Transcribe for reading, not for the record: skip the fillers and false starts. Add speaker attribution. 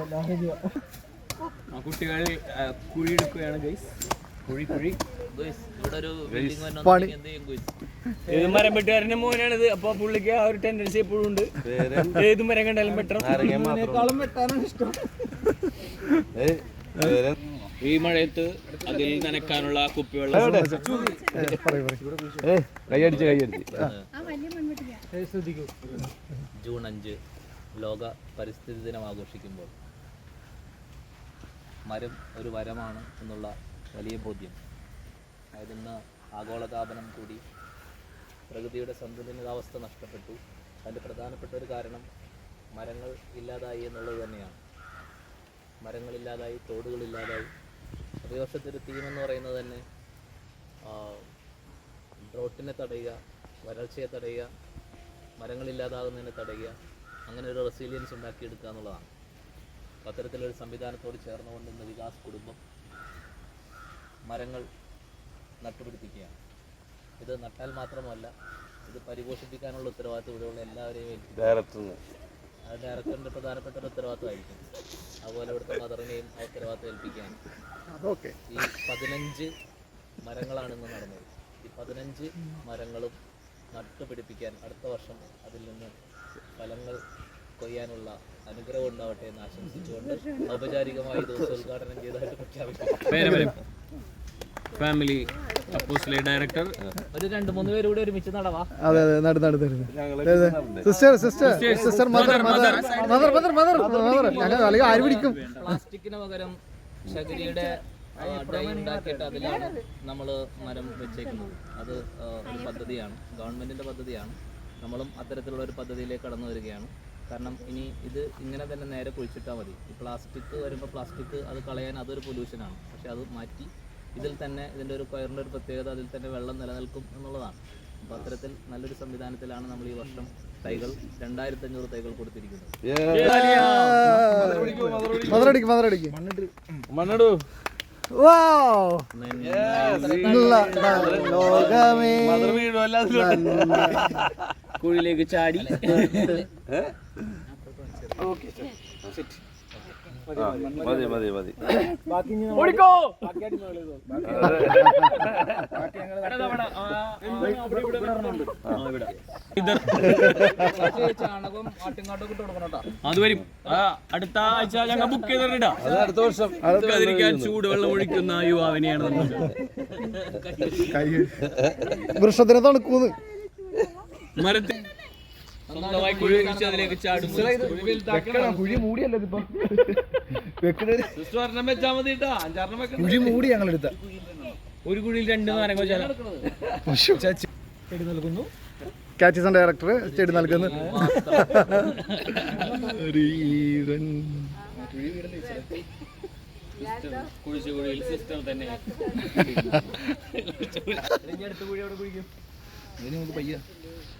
Speaker 1: കുട്ടികൾ കുഴി എടുക്കുകയാണ് ഗൈസ്. കുഴി ഏത് മരം വെട്ടുകാരന്റെ മോനാണിത്. അപ്പൊ പുള്ളിക്ക് ആ ഒരു ടെൻഡൻസി എപ്പോഴും ഉണ്ട്. ഏത് മരം കണ്ടാലും വെട്ടണം. വെട്ടാനാണ് ഇഷ്ടം. ഈ മഴയത്ത് അതിൽ നനക്കാനുള്ള കുപ്പിവെള്ളം ജൂൺ 5 ലോക പരിസ്ഥിതി ദിനം ആഘോഷിക്കുമ്പോൾ മരം ഒരു വരമാണ് എന്നുള്ള വലിയ ബോധ്യം. അതായത് ഇന്ന് ആഗോളതാപനം കൂടി പ്രകൃതിയുടെ സന്തുലിതാവസ്ഥ നഷ്ടപ്പെട്ടു. അതിൻ്റെ പ്രധാനപ്പെട്ട ഒരു കാരണം മരങ്ങൾ ഇല്ലാതായി എന്നുള്ളത് തന്നെയാണ്. മരങ്ങളില്ലാതായി, തോടുകളില്ലാതായി. അതേ വർഷത്തൊരു തീമെന്ന് പറയുന്നത് തന്നെ ഡ്രോട്ടിനെ തടയുക, വരൾച്ചയെ തടയുക, മരങ്ങളില്ലാതാകുന്നതിനെ തടയുക, അങ്ങനെ ഒരു റെസിലിയൻസ് ഉണ്ടാക്കിയെടുക്കുക എന്നുള്ളതാണ്. അത്തരത്തിലൊരു സംവിധാനത്തോട് ചേർന്നുകൊണ്ട് ഇന്ന് വികാസ് കുടുംബം മരങ്ങൾ നട്ടുപിടിപ്പിക്കുകയാണ്. ഇത് നട്ടാൽ മാത്രമല്ല, ഇത് പരിപോഷിപ്പിക്കാനുള്ള ഉത്തരവാദിത്വം ഇവിടെയുള്ള എല്ലാവരെയും ഏൽപ്പിക്കും. ഡയറക്ടറിൻ്റെ പ്രധാനപ്പെട്ട ഒരു ഉത്തരവാദിത്വമായിരിക്കും. അതുപോലെ ഇവിടുത്തെ മദറിനെയും ആ ഉത്തരവാദിത്വം ഏൽപ്പിക്കുകയാണ്. ഈ 15 മരങ്ങളാണ് ഇന്ന് നടന്നത്. ഈ 15 മരങ്ങളും നട്ടുപിടിപ്പിക്കാൻ അടുത്ത വർഷം അതിൽ നിന്ന് ഫലങ്ങൾ കൊയ്യാനുള്ള അനുഗ്രഹം ഉണ്ടാവട്ടെ എന്ന് ആശംസിച്ചുകൊണ്ട് ഔപചാരികമായി ദിവസം ഉദ്ഘാടനം ചെയ്തതായിട്ട് പ്രഖ്യാപിക്കും. ഫാമിലി അപ്പോസിലെ ഡയറക്ടർ ഒരു 2-3 പേര് കൂടി ഒരുമിച്ച് നടവാ.
Speaker 2: അതെ അതെ sister sister sister mother mother mother mother mother ഞങ്ങൾ അല്ലെങ്കിൽ ആര് പിടിക്കും.
Speaker 1: പ്ലാസ്റ്റിക്കിന് പകരം ശകരിയുടെ ഡൈ ഉണ്ടാക്കിയിട്ട് അതിലാണ് നമ്മൾ മരം വെച്ചേക്കുന്നത്. അത് ഒരു പദ്ധതിയാണ്, ഗവൺമെൻറ്റിൻ്റെ പദ്ധതിയാണ്. നമ്മളും അത്തരത്തിലുള്ള ഒരു പദ്ധതിയിലേക്ക് കടന്നു വരികയാണ്. കാരണം ഇനി ഇത് ഇങ്ങനെ തന്നെ നേരെ കുഴിച്ചിട്ടാൽ മതി. ഈ പ്ലാസ്റ്റിക് വരുമ്പോൾ പ്ലാസ്റ്റിക് അത് കളയാൻ അതൊരു പൊല്യൂഷനാണ്. പക്ഷെ അത് മാറ്റി ഇതിൽ തന്നെ ഇതിൻ്റെ ഒരു കൊയറിൻ്റെ ഒരു പ്രത്യേകത, അതിൽ തന്നെ വെള്ളം നിലനിൽക്കും എന്നുള്ളതാണ്. അപ്പോൾ അത്തരത്തിൽ നല്ലൊരു സംവിധാനത്തിലാണ് നമ്മൾ ഈ വർഷം തൈകൾ 2500 തൈകൾ കൊടുത്തിരിക്കുന്നത്. കുഴിയിലേക്ക് ചാടി ചാണകം ആട്ടിങ്ങാട്ടൊക്കെ ഇട്ട് കൊടുക്കണം. അത് വരും അടുത്ത ആഴ്ച ഞങ്ങൾ ബുക്ക് ചെയ്തിട്ടാ. അടുത്ത വർഷം ചൂടുവെള്ളം ഒഴിക്കുന്ന യുവാവിനെയാണ്
Speaker 2: വൃക്ഷത്തിന് തണുക്കൂന്ന്
Speaker 1: മരത്തിൽ സ്വന്തമായി കുഴി ഒഴിച്ച് അതിലേക്ക് ചാടും.
Speaker 2: കുഴി മൂടിയല്ലോ ഇതിപ്പോ
Speaker 1: ഒരെണ്ണം വെച്ചാൽ മതി കേട്ടോ. 5-6 വെക്കണം.
Speaker 2: കുഴി മൂടി ഞങ്ങൾ എടുത്ത
Speaker 1: ഒരു കുഴിയിൽ 2 മരങ്ങൾ ചെടി നൽകുന്നു.
Speaker 2: കാച്ചിസൺ ഡയറക്ടർ ചെടി നൽകുന്നു.
Speaker 1: കുഴിയിൽ സിസ്റ്റം തന്നെ അടുത്ത കുഴി അവിടെ കുഴിക്കും.
Speaker 2: പയ്യ